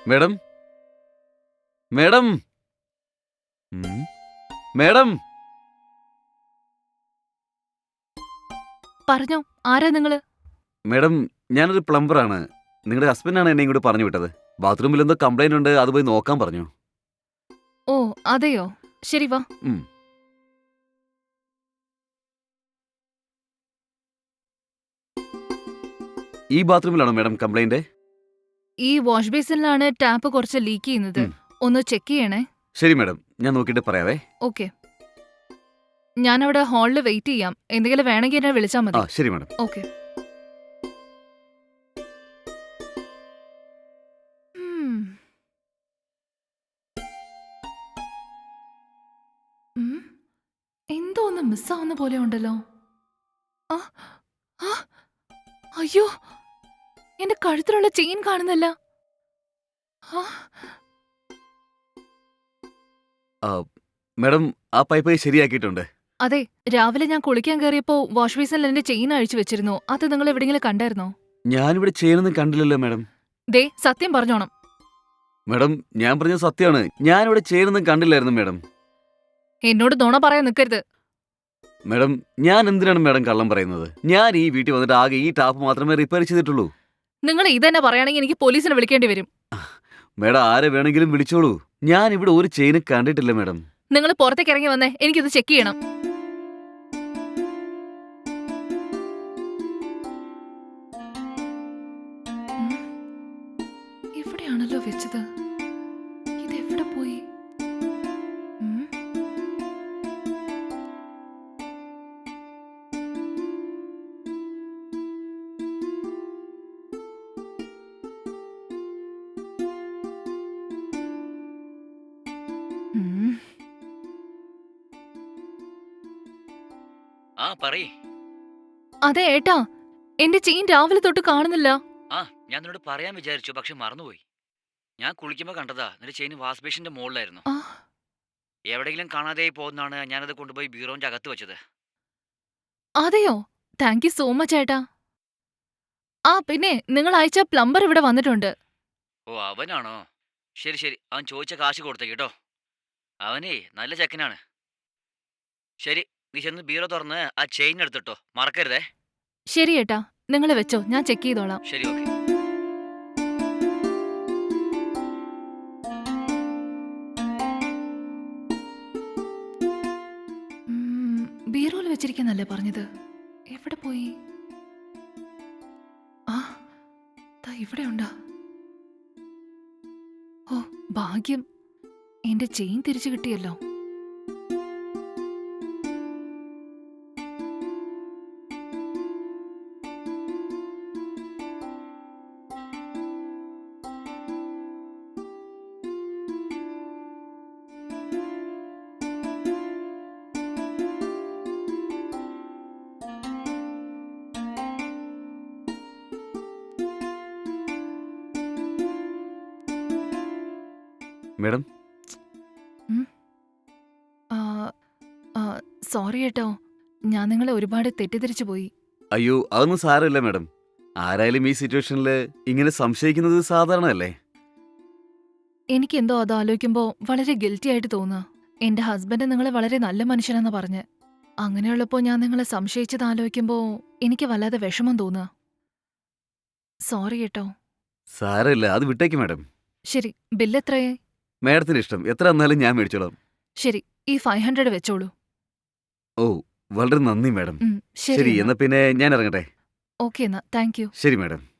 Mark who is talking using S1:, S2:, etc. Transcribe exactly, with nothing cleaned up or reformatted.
S1: Madam madam ഉം, madam
S2: പറഞ്ഞോ, ആരാ നിങ്ങള്?
S1: മേഡം ഞാനൊരു പ്ലംബറാണ്. നിങ്ങളുടെ ഹസ്ബൻഡാണ് എന്നെ ഇങ്ങോട്ട് പറഞ്ഞു വിട്ടത്. ബാത്റൂമിൽ എന്തോ കംപ്ലൈന്റ് ഉണ്ട്, അത് പോയി നോക്കാൻ പറഞ്ഞു.
S2: ഓ, അതെയോ? ശരി, വാ.
S1: ഉം. ഈ ബാത്റൂമിലാണോ മേഡം കംപ്ലൈന്റ്?
S2: ഈ വാഷ് ബേസിനിലാണ് ടാപ്പ് കുറച്ച് ലീക്ക് ചെയ്യുന്നത്.
S1: ഉം.
S2: ഒന്ന് ചെക്ക് ചെയ്യണേ.
S1: ശരി മേഡം, ഞാൻ നോക്കിയിട്ട് പറയാവേ.
S2: ഓക്കെ. ഞാനവിടെ ഹാളിൽ വെയിറ്റ് ചെയ്യാം. എന്തെങ്കിലും വേണമെങ്കിൽ എന്നെ വിളിച്ചാൽ
S1: ആ
S2: മതി.
S1: ശരി മേഡം.
S2: ഓക്കെ. ഉം. ഉം. എന്തോ ഒന്ന് മിസ്സാവുന്ന പോലെ ഉണ്ടല്ലോ. ആ, ആ, അയ്യോ, എന്റെ കഴുത്തിലുള്ള ചെയിൻ കാണുന്നില്ല. ആ,
S1: ആ, മേഡം ആ പൈപ്പ് ശരിയാക്കിയിട്ടുണ്ട്.
S2: അതെ, രാവിലെ ഞാൻ കുളിക്കാൻ കയറിയപ്പോ വാഷ് ബേസിനിൽ എന്റെ ചെയിൻ അഴിച്ചു വെച്ചിരുന്നു. അത് നിങ്ങൾ എവിടെയെങ്കിലും കണ്ടായിരുന്നോ?
S1: ഞാനിവിടെ ചെയ്യണമെന്ന് കണ്ടില്ലല്ലോ മേഡം.
S2: ദേ, സത്യം പറഞ്ഞോണം.
S1: മേഡം ഞാൻ പറഞ്ഞത് സത്യമാണ്. ഞാനിവിടെ ചെയ്യണമെന്ന് കണ്ടില്ലായിരുന്നു മേഡം.
S2: എന്നോട് നുണ പറയാൻ നിൽക്കരുത്.
S1: മേഡം ഞാൻ എന്തിനാണ് മേഡം കള്ളം പറയുന്നത്? ഞാൻ ഈ വീട്ടിൽ വന്നിട്ട് ആകെ ഈ ടാപ്പ് മാത്രമേ റിപ്പയർ ചെയ്തിട്ടുള്ളൂ.
S2: നിങ്ങൾ ഇതന്നെ പറയുകയാണെങ്കിൽ എനിക്ക് പോലീസിനെ വിളിക്കേണ്ടി വരും.
S1: മേഡം ആരെ വേണമെങ്കിലും വിളിച്ചോളൂ. ഞാൻ ഇവിടെ ഒരു ചെയിന് കണ്ടിട്ടില്ല മേഡം.
S2: നിങ്ങൾ പുറത്തേക്ക് ഇറങ്ങി വന്നേ, എനിക്കിത് ചെക്ക് ചെയ്യണം. ഉം, ഇവിടെയാണല്ലോ വെച്ചത്. ഇതെവിടെ പോയി? ഉം, ഉം.
S3: ആ പറയ്.
S2: അതെ ഏട്ടാ, എന്റെ ചെയിൻ രാവിലെ തൊട്ട് കാണുന്നില്ല.
S3: ആ ഞാൻ നിന്നോട് പറയാൻ വിചാരിച്ചു, പക്ഷെ മറന്നുപോയി. ഞാൻ കുളിക്കുമ്പോൾ കണ്ടതാ, നിന്റെ ചെയിൻ വാഷ് ബേസിന്റെ മുകളിലായിരുന്നു.
S2: ആ,
S3: എവിടെയെങ്കിലും കാണാതെയായി പോകുന്നതാണ് ഞാനത് കൊണ്ടുപോയി ബീറോന്റെ അകത്ത് വെച്ചത്.
S2: അതെയോ? താങ്ക് യു സോ മച്ച് ഏട്ടാ. ആ പിന്നെ, നിങ്ങൾ അയച്ച പ്ലംബർ ഇവിടെ വന്നിട്ടുണ്ട്.
S3: ഓ അവനാണോ? ശരി ശരി, അവൻ ചോദിച്ച കാശ് കൊടുത്തേക്ക് കേട്ടോ. അവനേ നല്ല ചെക്കനാണ്. ശരി, നീ ചെന്ന് ബീറോ തുറന്ന് ആ ചെയിൻ എടുത്തിട്ടോ, മറക്കരുതേ.
S2: ശരി ഏട്ടാ, നിങ്ങൾ വെച്ചോ, ഞാൻ ചെക്ക് ചെയ്തോളാം.
S3: ശരി, ഓക്കെ.
S2: ഉം, ബീറോയിൽ വെച്ചിരിക്കുന്നല്ലേ പറഞ്ഞത്? എവിടെ പോയി? ആ, ദാ ഇവിടെ ഉണ്ടാ. ഓ, ഭാഗ്യം, എന്റെ ചെയിൻ തിരിച്ചു കിട്ടിയല്ലോ.
S1: മേഡം
S2: ഉം, ആ, ആ, സോറി ഏട്ടോ, ഞാൻ നിങ്ങളെ ഒരുപാട് തെറ്റിദ്ധരിച്ചു പോയി.
S1: അയ്യോ അതൊന്നും സാരമില്ല മേഡം. ആരായാലും ഈ സിറ്റുവേഷനിൽ ഇങ്ങനെ സംശയിക്കുന്നത് സാധാരണയല്ലേ?
S2: എനിക്കെന്തോ അത് ആലോചിക്കുമ്പോ വളരെ ഗിൽറ്റി ആയിട്ട് തോന്നുക. എന്റെ ഹസ്ബൻഡ് നിങ്ങളെ വളരെ നല്ല മനുഷ്യനെന്ന് പറഞ്ഞ്, അങ്ങനെയുള്ളപ്പോ ഞാൻ നിങ്ങളെ സംശയിച്ചത് ആലോചിക്കുമ്പോ എനിക്ക് വല്ലാതെ വിഷമം തോന്നുക. സോറി കേട്ടോ.
S1: സാരമില്ല, അത് വിട്ടേക്ക് മേഡം.
S2: ശരി, ബില്ല് എത്രയായി?
S1: മേഡത്തിന് ഇഷ്ടം എത്ര എന്നാലും ഞാൻ മേടിച്ചോളാം.
S2: ശരി, ഈ ഫൈവ് ഹൺഡ്രഡ് വെച്ചോളൂ.
S1: ഓ വളരെ നന്ദി മേഡം.
S2: ഉം, ശരി
S1: ശരി
S2: എന്നാ.
S1: എന്നാ പിന്നെ ഞാൻ ഇറങ്ങട്ടെ.
S2: ഓക്കെ എന്നാ, താങ്ക് യു.
S1: ശരി മേഡം.